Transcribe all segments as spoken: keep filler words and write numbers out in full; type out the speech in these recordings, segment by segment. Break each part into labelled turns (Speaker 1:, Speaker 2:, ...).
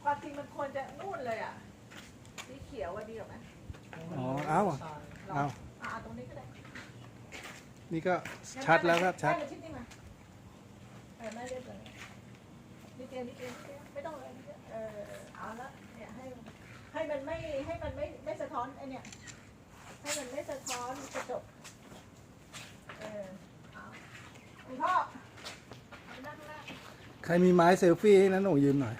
Speaker 1: ความจริงมันควรจะนู่นเลยอ่ะสีเขียวว่าดีกว่าไหม
Speaker 2: อ๋อเอาเอา
Speaker 1: อ่าตรงนี้ก็ได้
Speaker 2: นี่ก็ชัดแล้วครับชัด
Speaker 1: แม่มาชิดนี่มาเออแม่เรียกเลยนี่เตียนี่เตียไม่ต้องเลยเออเอาละเนี่ยให้ให้มันไม่ให้มันไม่ไม่สะท้อนไอเนี่ยให้มันไม่สะท้อนกระจกเออเอาคุณพ่อนั่งนั่ง
Speaker 2: ใครมีไม้เซลฟี่ให้นั้นหนูยืมหน่อย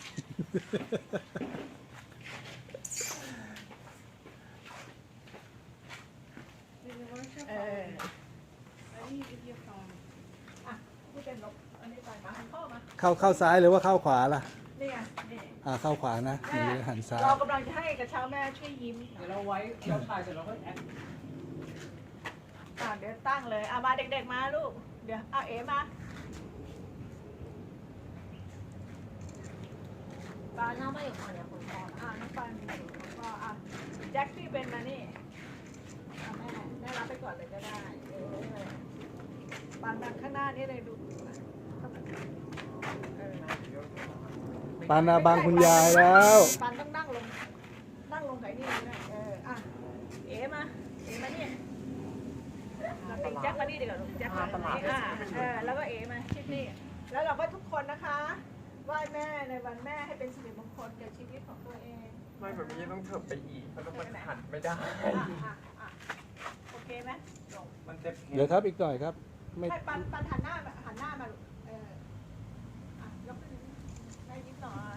Speaker 1: เอออันนี้วิดีโอคอลอ่ะนี่เป็นลบอันนี้ไปมาหันพ่อมา
Speaker 2: เข้าเข้าซ้ายหรือว่าเข้าขวาล่ะ
Speaker 1: นี่ไงนี่
Speaker 2: อ่าเข้าขวานะหรือหันซ้าย
Speaker 1: เรากำลังจะให้กระเช้าแม่ช่วยยิ้ม
Speaker 3: เดี๋ยวเราไว้เราถ่ายเสร็จเราก็แอด
Speaker 1: อ่ะเดี๋ยวตั้งเลยอ่ะมาเด็กๆมาลูกเดี๋ยวเอาเอ๋มาปาน้องไม่อยู่คนเดียวคนพออ่ะน้องปานแล้วก็อ่ะแจ็คพี่เป็นมานี่อ่ะแม่แม่รับไปก่อนเลยก็ได้เออเลยปานดังข้างหน้านี่เลยดูเออ
Speaker 2: ปานาบางคุณยายแล้ว
Speaker 1: ปันต้องนั่งลง นั่งลงไก่นี่นะเออ อ่ะ เอ๋มา เอ๋มานี่เราติงแจ็คมานี่ดีกว่าลูกแจ็คมาตรงนี้อ่ะเออ แล้วก็เอ๋มาชิดนี่ แล้วเราก็ทุกคนนะคะไหว้แม่ในวันแม่ให้เป็นสิริมงคลแก่ชีวิตของตัวเอง
Speaker 3: ไม่แบบนี้ต้องเถิบไปอีกเพราะมันหันไม่ได้
Speaker 1: อ่ะอ่ะอ่ะโอเคไหมจบ
Speaker 3: มันเจ็บ
Speaker 2: เดี๋ยวครับอีกหน่อยครับ ไม่
Speaker 1: ให้ปันปันหันหน้ามาหันหน้ามาลูกเออ อ่ะยกขึ้นได้นิดหน่อย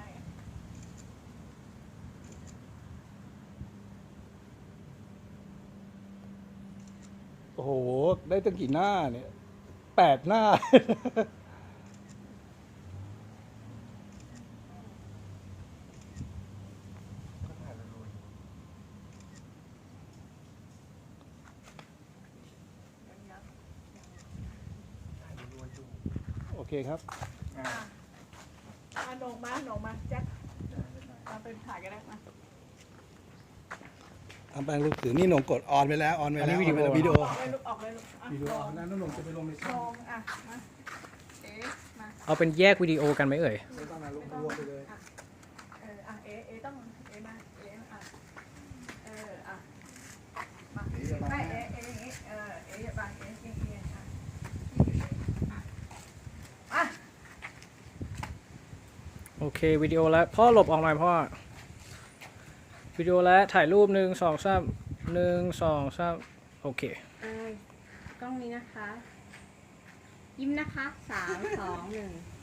Speaker 2: โอ้โห ได้ตั้งกี่หน้าเนี่ยแปดหน้า
Speaker 3: ก็ถ่ายรัว
Speaker 2: โอเคครับ
Speaker 3: ๆอ่า
Speaker 1: มาหนงมาหนงมาแจ็คมาเป็นถ่ายกันได้มา
Speaker 2: เอาไปลูกถือนี่หนงกดออนไปแล้วออนไปแล้ววิดีโอวิดีโอ
Speaker 1: ออกเลยลูกออกเลยลูกอ่ะ
Speaker 2: วิดีโอนั้นหนงจะไปลงใน
Speaker 1: ล
Speaker 2: ช่อง
Speaker 1: งอ่ะมาเอ๊ะมา
Speaker 4: เอาเป็นแยกวิดีโอกันไหมเอ่ย
Speaker 2: ไม่ต้องนะลงรวมไปเลย
Speaker 1: อ่ะเอออ่ะเอ๊ะเอ๊ะต้องเอ๊ะมาเอ๊ะอ่ะเอออ่ะมาไม่เอ๊ะเอ๊ะอย่างงี้เออเอ๊ะอย่าบังเอ๊ะเอ๊ะเอ๊ะอ่ะอ่ะ
Speaker 4: โอเควิดีโอแล้วพ่อหลบออกหน่อยพ่อวิดีโอแล้วถ่ายรูปหนึ่งสองสามหนึ่งสองสามโอเค
Speaker 5: เอ้ยกล้องนี้นะคะ ยิ้มนะคะสามสองหนึ่ง